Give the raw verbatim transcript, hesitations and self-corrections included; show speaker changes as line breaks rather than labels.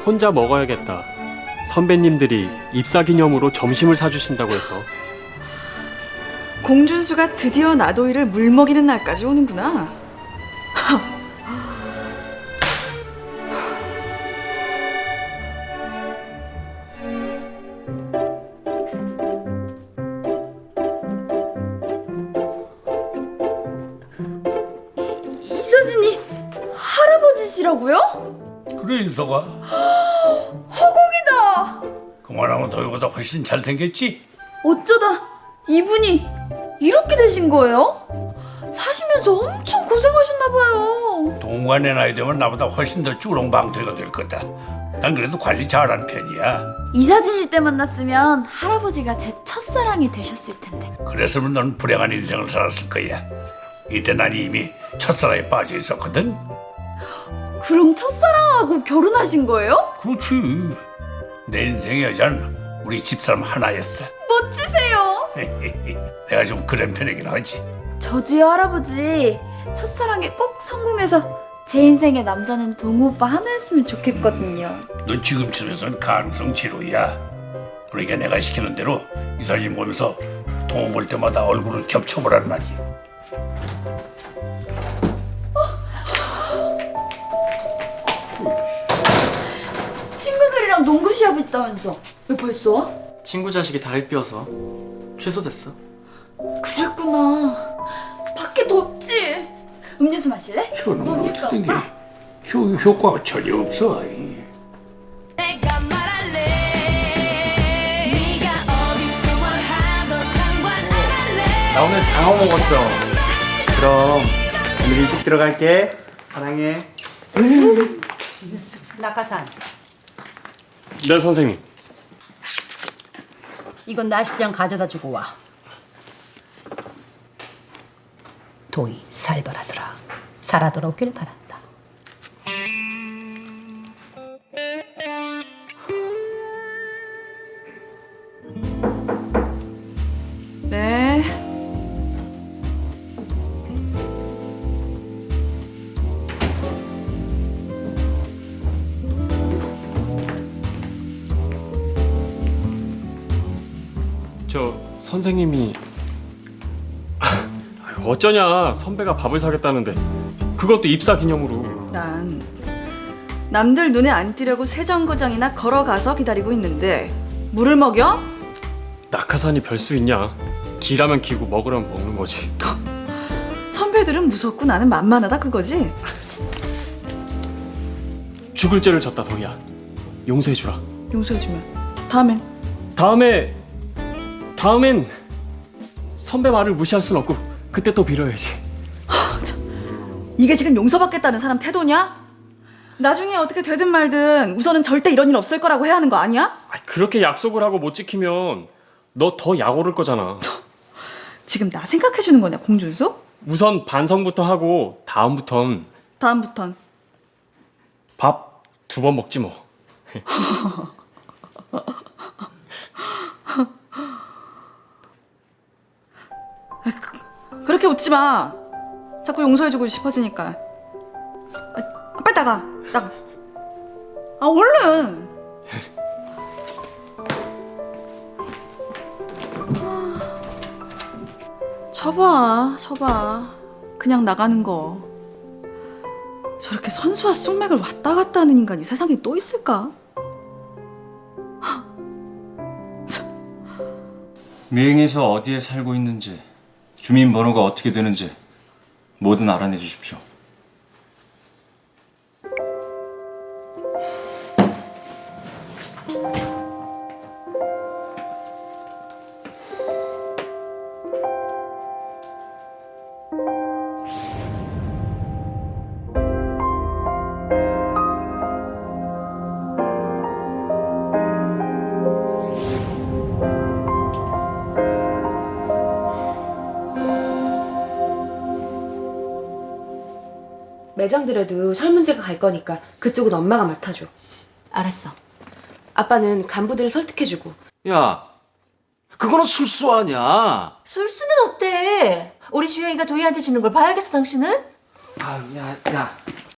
혼자 먹어야겠다. 선배님들이 입사 기념으로 점심을 사주신다고 해서.
공준수가 드디어 나도이를 물먹이는 날까지 오는구나.
이서진이 할아버지시라고요?
그래 인서가
허공이다.
그만하면 너희보다 훨씬 잘생겼지?
어쩌다 이분이 이렇게 되신 거예요? 사시면서 엄청 고생하셨나봐요.
동관의 나이 되면 나보다 훨씬 더 쭈렁방태가 될 거다. 난 그래도 관리 잘하는 편이야.
이사진일 때 만났으면 할아버지가 제 첫사랑이 되셨을 텐데.
그랬으면 넌 불행한 인생을 살았을 거야. 이때 난 이미 첫사랑에 빠져 있었거든.
그럼 첫사랑하고 결혼하신 거예요?
그렇지. 내 인생의 여자는 우리 집사람 하나였어.
멋지세요.
내가 좀 그런 편이긴 하지.
저도요 할아버지. 첫사랑에 꼭 성공해서 제 인생의 남자는 동우 오빠 하나였으면 좋겠거든요.
넌 지금쯤에선 가능성 제로야. 그러니까 내가 시키는 대로 이 사진 보면서 동호 볼 때마다 얼굴을 겹쳐보란 말이야.
친구들이랑 농구 시합 있다면서 왜 벌써 와?
친구 자식이 다리 삐어서 취소됐어.
그랬구나. 밖에 덥지? 음료수 마실래?
저는
멋질까,
어떻게
오빠?
효, 효과가 전혀 없어.
내가 말할래 네가 어디서 뭘 하던 상관 안 할래.
나 오늘 장어 먹었어. 그럼 오늘 일찍 들어갈게. 사랑해.
낙하산,
네, 선생님.
이건 날씨장 가져다 주고 와. 도희 살벌하더라. 살아 돌아오길 바란다.
네.
저 선생님이 아유, 어쩌냐. 선배가 밥을 사겠다는데 그것도 입사 기념으로.
난 남들 눈에 안 띄려고 세정거장이나 걸어가서 기다리고 있는데 물을 먹여?
낙하산이 별 수 있냐. 기라면 기고 먹으라면 먹는 거지.
선배들은 무섭고 나는 만만하다 그거지?
죽을 죄를 졌다 도희야. 용서해주라.
용서해주면 다음엔
다음에 다음엔 선배 말을 무시할 순 없고 그때 또 빌어야지.
이게 지금 용서받겠다는 사람 태도냐? 나중에 어떻게 되든 말든 우선은 절대 이런 일 없을 거라고 해야 하는 거 아니야?
아, 그렇게 약속을 하고 못 지키면 너 더 약 오를 거잖아.
지금 나 생각해주는 거냐 공준수?
우선 반성부터 하고 다음부턴
다음부턴
밥 두 번 먹지 뭐.
그렇게 웃지 마. 자꾸 용서해주고 싶어지니까. 아, 빨리 나가. 나가. 아 얼른. 쳐봐, 쳐봐. 그냥 나가는 거. 저렇게 선수와 쑥맥을 왔다 갔다 하는 인간이 세상에 또 있을까?
미행에서 어디에 살고 있는지, 주민번호가 어떻게 되는지 뭐든 알아내 주십시오.
매장들에도 설문제가 갈 거니까 그쪽은 엄마가 맡아줘. 알았어. 아빠는 간부들을 설득해주고.
야, 그거는 술수 아니야.
술수면 어때? 우리 주영이가 도희한테 지는 걸 봐야겠어, 당신은?
아, 야, 야,